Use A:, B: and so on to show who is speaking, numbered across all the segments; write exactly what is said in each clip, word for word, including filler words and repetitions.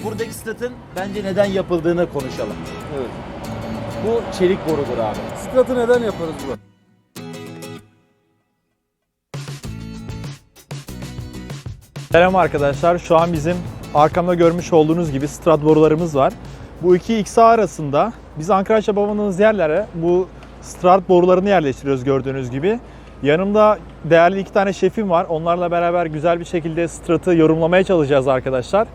A: buradaki stratın bence neden yapıldığını konuşalım.
B: Evet.
A: Bu çelik borudur abi.
B: Stratı neden yaparız bu?
C: Selam arkadaşlar. Şu an bizim arkamda görmüş olduğunuz gibi strat borularımız var. Bu iki X A arasında biz ankraj yapamadığımız yerlere bu strat borularını yerleştiriyoruz gördüğünüz gibi. Yanımda değerli iki tane şefim var. Onlarla beraber güzel bir şekilde stratı yorumlamaya çalışacağız arkadaşlar.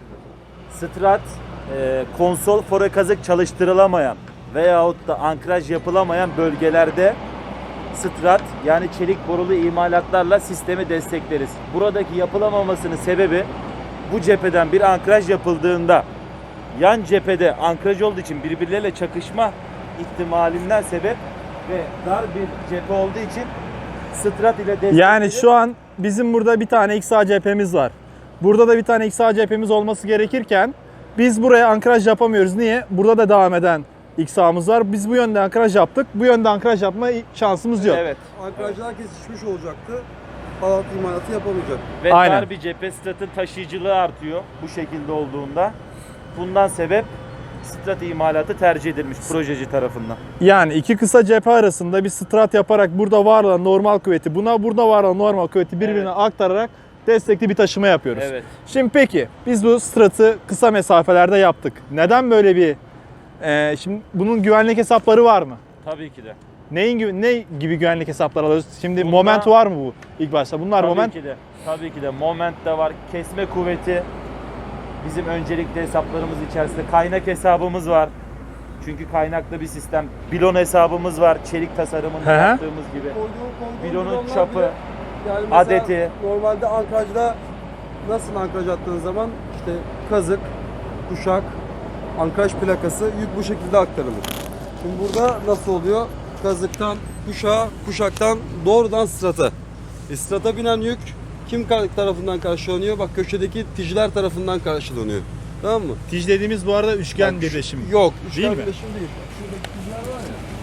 A: Strat, e, konsol fore kazık çalıştırılamayan veyahut da ankraj yapılamayan bölgelerde strat yani çelik borulu imalatlarla sistemi destekleriz. Buradaki yapılamamasının sebebi bu cepheden bir ankraj yapıldığında yan cephede ankraj olduğu için birbirleriyle çakışma ihtimalinden sebep ve dar bir cephe olduğu için strat ile desteklenir.
C: Yani şu an bizim burada bir tane X A cephemiz var. Burada da bir tane X A cephemiz olması gerekirken biz buraya ankraj yapamıyoruz. Niye? Burada da devam eden X A'mız var. Biz bu yönde ankraj yaptık. Bu yönde ankraj yapma şansımız yok.
A: Evet.
B: Ankrajlar kesişmiş olacaktı. Bağlantı imalatı yapamayacak.
A: Ve
C: Aynen.
A: dar bir cephe stratın taşıyıcılığı artıyor bu şekilde olduğunda. Bundan sebep strat imalatı tercih edilmiş projeci tarafından.
C: Yani iki kısa cephe arasında bir strat yaparak burada var olan normal kuvveti buna burada var olan normal kuvveti birbirine
A: Evet.
C: aktararak destekli bir taşıma yapıyoruz.
A: Evet.
C: Şimdi peki biz bu stratı kısa mesafelerde yaptık. Neden böyle bir e, şimdi bunun güvenlik hesapları var mı?
A: Tabii ki de.
C: Neyin gibi ne gibi güvenlik hesapları alıyoruz? Şimdi
A: Bunda-
C: moment var mı bu ilk başta? Bunlar
A: Tabii
C: moment.
A: ki de. Tabii ki de moment de var. Kesme kuvveti bizim öncelikli hesaplarımız içerisinde. Kaynak hesabımız var. Çünkü kaynaklı bir sistem. Bilon hesabımız var. Çelik tasarımını
C: Hı hı.
A: yaptığımız gibi. Bilonun çapı, adeti.
B: Normalde ankrajda nasıl ankraj attığın zaman işte kazık, kuşak, ankraj plakası yük bu şekilde aktarılır. Şimdi burada nasıl oluyor? Kazıktan kuşağa, kuşaktan doğrudan strata. E, strata binen yük kim tarafından karşılanıyor? Bak köşedeki tijler tarafından karşılanıyor. Tamam mı?
C: Tij dediğimiz bu arada üçgen
B: Bak,
C: birleşim.
B: Yok,
C: Değil
B: üçgen
C: mi?
B: birleşim değil. Şuradaki tijler var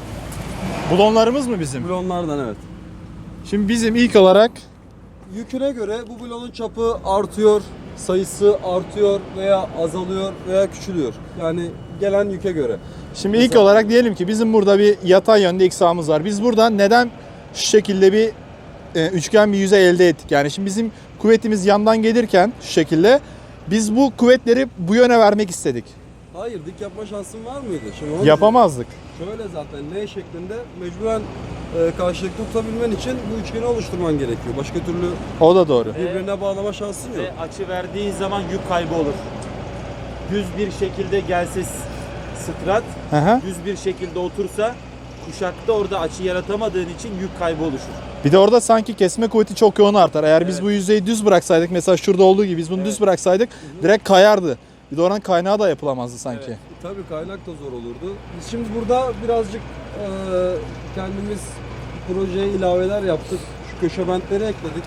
B: ya.
C: Blonlarımız mı bizim?
B: Blonlardan evet.
C: Şimdi bizim ilk olarak
B: Yüküne göre bu blonun çapı artıyor, sayısı artıyor veya azalıyor veya küçülüyor. Yani gelen yüke göre.
C: Şimdi ilk olarak diyelim ki bizim burada bir yatay yönde X A'mız var. Biz buradan neden şu şekilde bir e, üçgen bir yüzey elde ettik? Yani şimdi bizim kuvvetimiz yandan gelirken şu şekilde biz bu kuvvetleri bu yöne vermek istedik.
B: Hayır, dik yapma şansın var mıydı? Şimdi onu
C: Yapamazdık.
B: Şöyle zaten L şeklinde mecburen e, karşılıklı tutabilmen için bu üçgeni oluşturman gerekiyor. Başka türlü
C: O da doğru.
B: birbirine bağlama şansın yok.
A: Ve açı verdiğin zaman yük kaybı olur. Düz bir şekilde gelse strat,
C: Hı hı.
A: düz bir şekilde otursa kuşakta orada açı yaratamadığın için yük kaybı oluşur.
C: Bir de orada sanki kesme kuvveti çok yoğun artar. Eğer biz
A: Evet.
C: bu yüzeyi düz bıraksaydık, mesela şurada olduğu gibi biz bunu
A: Evet.
C: düz bıraksaydık direkt kayardı. Bir de oranın kaynağı da yapılamazdı sanki.
A: Evet.
B: E, tabii kaynak da zor olurdu. Biz şimdi burada birazcık e, kendimiz projeye ilaveler yaptık. Şu köşe bentleri ekledik.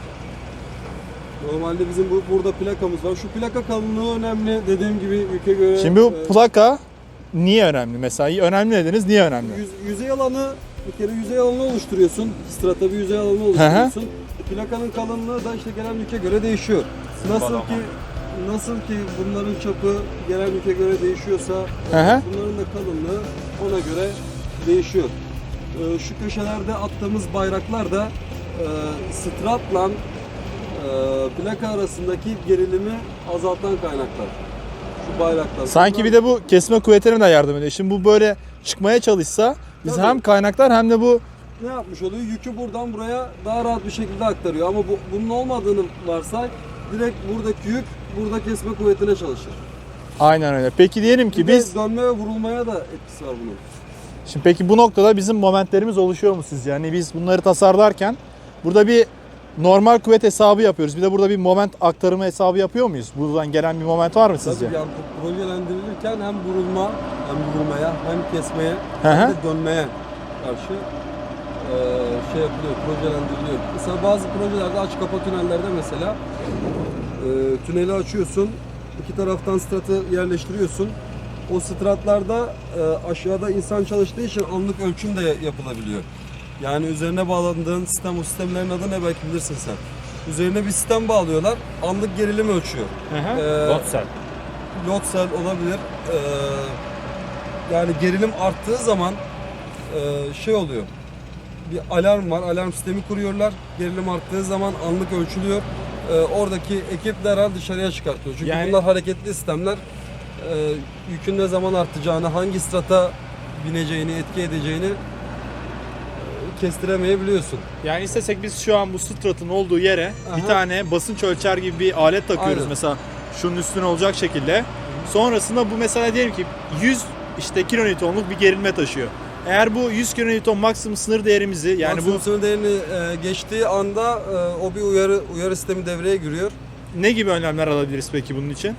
B: Normalde bizim bu, burada plakamız var. Şu plaka kalınlığı önemli. Dediğim gibi yüke göre.
C: Şimdi bu
B: e,
C: plaka niye önemli mesela? Önemli dediniz, niye önemli?
B: Yüz, yüzey alanı, bir kere yüzey alanı oluşturuyorsun. Strata bir yüzey alanı oluşturuyorsun. Plakanın kalınlığı da işte gelen yüke göre değişiyor. Nasıl ki nasıl ki bunların çapı gelen yüke göre değişiyorsa
C: Hı hı.
B: bunların da kalınlığı ona göre değişiyor. Ee, şu köşelerde attığımız bayraklar da e, stratla e, plaka arasındaki gerilimi azaltan kaynaklar. Şu bayraklar.
C: Sanki
B: Bunlar-
C: bir de bu kesme kuvvetlerine de yardım ediyor. Şimdi bu böyle çıkmaya çalışsa biz
B: Tabii.
C: hem kaynaklar hem de bu
B: ne yapmış oluyor? Yükü buradan buraya daha rahat bir şekilde aktarıyor. Ama bu, bunun olmadığını varsay direkt buradaki yük burada kesme kuvvetine çalışır.
C: aynen öyle. Peki diyelim ki
B: Bir de
C: biz
B: dönme ve vurulmaya da etkisi var bunun.
C: şimdi peki bu noktada bizim momentlerimiz oluşuyor mu sizce? Yani biz bunları tasarlarken burada bir normal kuvvet hesabı yapıyoruz. Bir de burada bir moment aktarımı hesabı yapıyor muyuz? Buradan gelen bir moment var mı sizce?
B: Tabii yani projelendirilirken hem vurulma, hem vurmaya, hem kesmeye,
C: Hı hı.
B: hem de dönmeye karşı eee, şey yapılıyor, projelendiriliyor. Mesela bazı projelerde aç kapa tünellerde mesela eee, tüneli açıyorsun, iki taraftan stratı yerleştiriyorsun. O stratlarda eee, aşağıda insan çalıştığı için anlık ölçüm de yapılabiliyor. Yani üzerine bağlandığın sistem, o sistemlerin adı ne belki bilirsin sen. Üzerine bir sistem bağlıyorlar, anlık gerilim ölçüyor.
C: Hı hı.
B: Eee,
A: Lotsel.
B: load cell olabilir. Ee, yani gerilim arttığı zaman e, şey oluyor. Bir alarm var. Alarm sistemi kuruyorlar. Gerilim arttığı zaman anlık ölçülüyor. Ee, oradaki ekip derhal dışarıya çıkartıyor. Çünkü
C: Yani-
B: bunlar hareketli sistemler. Ee, yükün ne zaman artacağını, hangi strata bineceğini, etki edeceğini e, kestiremeyebiliyorsun.
C: Yani istesek biz şu an bu stratın olduğu yere bir
B: Aha.
C: tane basınç ölçer gibi bir alet takıyoruz.
B: Aynen.
C: Mesela şunun üstüne olacak şekilde. Sonrasında bu mesela diyelim ki yüz işte kilonewtonluk bir gerilme taşıyor. Eğer bu yüz kilonewton maksimum sınır değerimizi yani
B: Maksimum
C: bu
B: sınır değerini e, geçtiği anda e, o bir uyarı uyarı sistemi devreye giriyor.
C: ne gibi önlemler alabiliriz peki bunun için?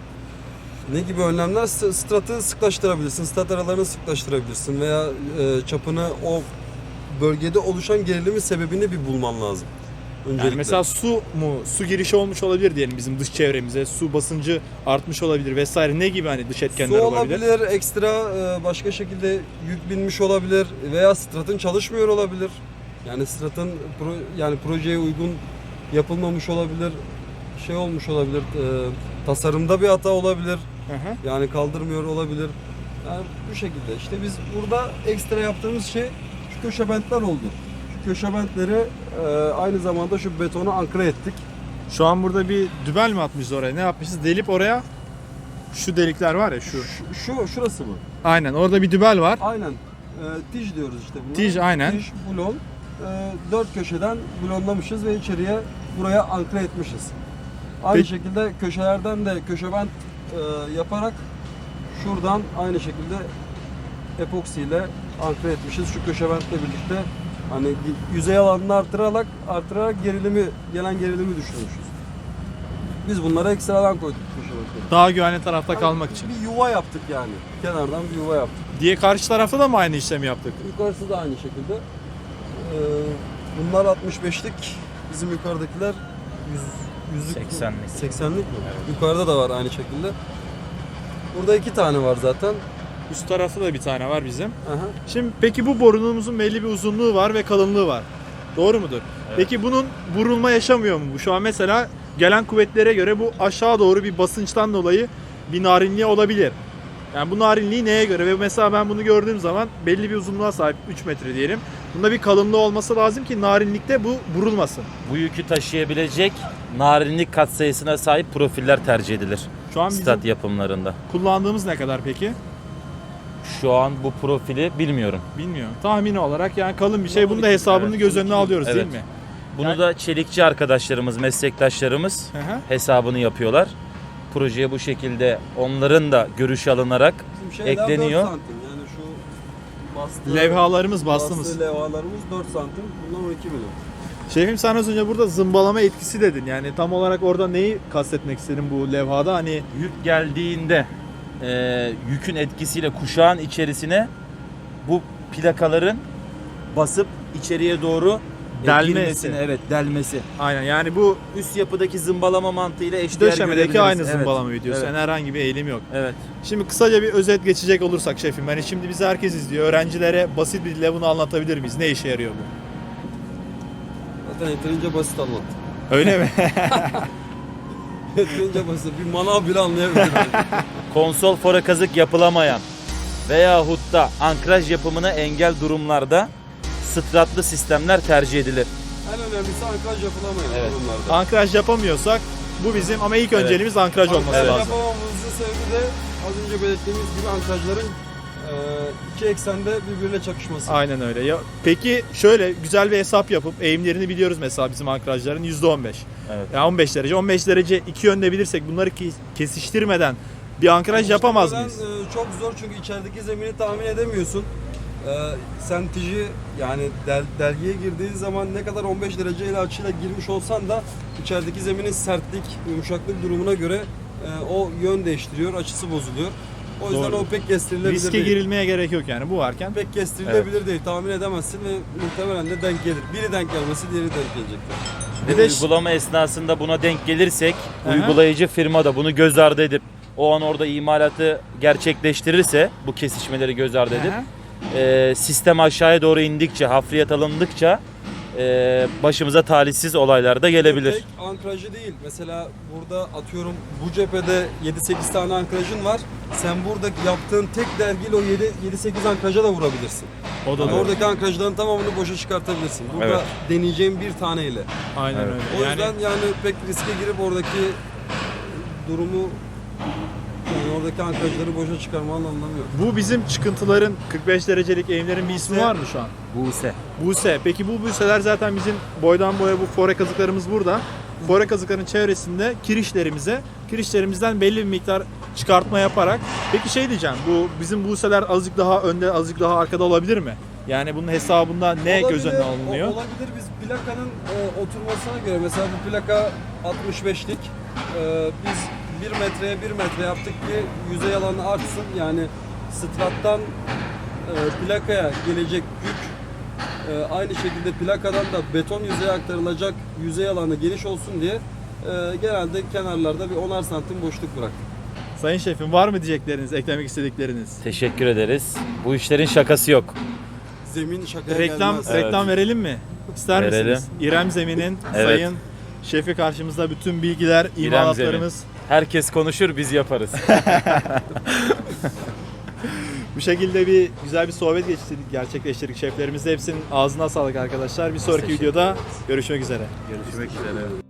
B: Ne gibi önlemler? S- Stratı sıklaştırabilirsin, strat aralarını sıklaştırabilirsin veya e, çapını o bölgede oluşan gerilimin sebebini bir bulman lazım. Öncelikle.
C: Yani mesela su mu, su girişi olmuş olabilir diyelim bizim dış çevremize, su basıncı artmış olabilir vesaire, ne gibi hani dış etkenler
B: Su
C: olabilir?
B: olabilir, ekstra e, başka şekilde yük binmiş olabilir veya stratın çalışmıyor olabilir. Yani stratın pro, yani projeye uygun yapılmamış olabilir, şey olmuş olabilir, e, tasarımda bir hata olabilir.
C: Hı hı.
B: Yani kaldırmıyor olabilir. Yani bu şekilde. İşte biz burada ekstra yaptığımız şey şu köşe bentler oldu. Şu köşe bentleri e, aynı zamanda şu betona ankre ettik.
C: Şu an burada bir dübel mi atmışız oraya? Ne yapmışız? Delip oraya şu delikler var ya şu.
B: Şu, şu şurası mı?
C: Aynen orada bir dübel var.
B: Aynen. E, tij diyoruz işte buna.
C: Tij, aynen.
B: Tij, blon. E, dört köşeden blonlamışız ve içeriye buraya ankre etmişiz. Aynı
C: Peki-
B: şekilde köşelerden de köşe bent e, yaparak şuradan aynı şekilde epoksi ile ankre etmişiz. Şu köşe bentle birlikte hani yüzey alanını artırarak artırarak gerilimi gelen gerilimi düşürmüşüz. Biz bunlara ekstradan koyduk köşe bentleri.
C: Daha güvenli tarafta kalmak için.
B: Bir yuva yaptık yani. Kenardan bir yuva yaptık.
C: Diye karşı tarafta da mı aynı işlemi yaptık?
B: Yukarısı da aynı şekilde. Ee, bunlar altmış beşlik, bizim yukarıdakiler yüz, yüzlük mü?
A: seksenlik.
B: seksenlik mi? Yukarıda da var aynı şekilde. Burada iki tane var zaten.
C: Üst tarafta da bir tane var bizim.
B: Aha.
C: Şimdi peki bu borunumuzun belli bir uzunluğu var ve kalınlığı var. Doğru mudur? Peki bunun vurulma yaşamıyor mu bu? Şu an mesela gelen kuvvetlere göre bu aşağı doğru bir basınçtan dolayı bir narinliği olabilir. Yani bu narinliği neye göre? Ve mesela ben bunu gördüğüm zaman belli bir uzunluğa sahip üç metre diyelim. Bunda bir kalınlığı olması lazım ki narinlikte bu vurulmasın.
A: Bu yükü taşıyabilecek narinlik katsayısına sahip profiller tercih edilir
C: Şu an bizim
A: stat yapımlarında.
C: kullandığımız ne kadar peki?
A: Şu an bu profili bilmiyorum.
C: Bilmiyorum. Tahmini olarak yani kalın bir şey. Bunun da hesabını
A: Evet,
C: göz önüne alıyoruz
A: evet.
C: değil mi?
A: Bunu
C: Yani-
A: da çelikçi arkadaşlarımız, meslektaşlarımız
C: Hı hı.
A: hesabını yapıyorlar. Projeye bu şekilde onların da görüşü alınarak
B: Bizim şeyler
A: ekleniyor.
B: dört santim. Yani şu bastığı,
C: Levhalarımız bastığımız.
B: bastığı levhalarımız dört santim. Bunlar on iki milim.
C: Şefim sen az önce burada zımbalama etkisi dedin. Yani tam olarak orada neyi kastetmek istedin bu levhada? Hani
A: Yük geldiğinde e, yükün etkisiyle kuşağın içerisine bu plakaların basıp içeriye doğru e,
C: Delmesi.
A: girmesini, evet, delmesi.
C: aynen yani bu
A: Üst yapıdaki zımbalama mantığıyla eşdeğer
C: döşemedeki
A: görebiliriz.
C: aynı
A: Evet,
C: zımbalama videosu.
A: Evet.
C: Yani herhangi bir eğilim yok.
A: Evet.
C: Şimdi kısaca bir özet geçecek olursak şefim. Yani şimdi bizi herkes izliyor. Öğrencilere basit bir dille bunu anlatabilir miyiz? Ne işe yarıyor bu?
B: Zaten yeterince basit anlattım.
C: Öyle mi?
B: Yeterince basit. Bir manav bile anlayabilir.
A: Konsol fora kazık yapılamayan veyahut da ankraj yapımına engel durumlarda stratlı sistemler tercih edilir.
B: En önemlisi ankraj yapılamayan
A: Evet.
B: durumlarda.
C: Ankraj yapamıyorsak bu bizim ama ilk önceliğimiz ankraj olması
B: Ankraj
C: lazım.
B: yapamamamızın sebebi de az önce belirttiğimiz gibi ankrajların e, iki eksende birbiriyle çakışması.
C: Aynen öyle. Ya, peki şöyle güzel bir hesap yapıp eğimlerini biliyoruz mesela bizim ankrajların yüzde on beş.
A: Evet.
C: Ya on beş derece. on beş derece iki yönde bilirsek bunları ki- kesiştirmeden bir ankraj yapamaz
B: Muhtemelen,
C: mıyız?
B: e, çok zor çünkü içerideki zemini tahmin edemiyorsun. E, sen tiji yani del, delgiye girdiğin zaman ne kadar on beş derece ile açıyla girmiş olsan da içerideki zeminin sertlik, yumuşaklık durumuna göre e, o yön değiştiriyor, açısı bozuluyor. O yüzden
C: Doğru.
B: o pek kestirilebilir
C: Riske
B: değil.
C: girilmeye gerek yok yani bu varken.
B: Pek kestirilebilir değil, tahmin edemezsin ve muhtemelen de denk gelir. Biri denk gelmesi diğeri denk gelecektir.
C: Bir
A: Bu
C: de
A: uygulama esnasında buna denk gelirsek
C: Aha.
A: uygulayıcı firma da bunu göz ardı edip o an orada imalatı gerçekleştirirse bu kesişmeleri göz ardı edip
C: Aha.
A: e, sistem aşağıya doğru indikçe, hafriyat alındıkça e, başımıza talihsiz olaylar da gelebilir.
B: Tek ankrajı değil. Mesela burada atıyorum bu cephede yedi sekiz tane ankrajın var. Sen buradaki yaptığın tek dergiyle o yedi sekiz ankraja da vurabilirsin.
C: O da
B: Yani
C: doğru.
B: oradaki ankrajların tamamını boşa çıkartabilirsin. Burada
A: Evet.
B: deneyeceğim bir taneyle.
C: Aynen
A: Evet.
C: öyle.
B: O
C: Yani
B: yüzden yani pek riske girip oradaki durumu yani oradaki ankrajları boşa çıkarmanın anlamı yok.
C: bu bizim çıkıntıların kırk beş derecelik eğimlerin bir ismi
B: Buse.
C: var mı şu an?
A: Buse.
C: Buse. Peki bu buseler zaten bizim boydan boya bu fore kazıklarımız burada. Fore kazıkların çevresinde kirişlerimize, kirişlerimizden belli bir miktar çıkartma yaparak. Peki şey diyeceğim, bu bizim buseler azıcık daha önde, azıcık daha arkada olabilir mi? Yani bunun hesabında ne göz önüne
B: Olabilir,
C: alınıyor?
B: o- Olabilir. Biz plakanın e, oturmasına göre mesela bu plaka altmış beşlik. E, biz bir metreye bir metre yaptık ki yüzey alanı artsın. Yani strattan e, plakaya gelecek yük e, aynı şekilde plakadan da beton yüzeye aktarılacak yüzey alanı geniş olsun diye e, genelde kenarlarda bir onar santim boşluk bırak.
C: Sayın Şefim, var mı diyecekleriniz, eklemek istedikleriniz?
A: Teşekkür ederiz. Bu işlerin şakası yok.
B: Zemin şakaya
C: Reklam
B: gelmez.
A: Evet.
C: reklam verelim mi? İster
A: Verelim.
C: misiniz? İrem Zemin'in
A: Evet.
C: sayın şefi karşımızda, bütün bilgiler, imalatlarımız
A: Herkes konuşur, biz yaparız.
C: bu şekilde bir güzel bir sohbet geçirdik, gerçekleştirdik şeflerimizle. Hepsinin ağzına sağlık arkadaşlar. Bir sonraki
A: Teşekkür
C: videoda görüşmek üzere.
A: Görüşmek üzere.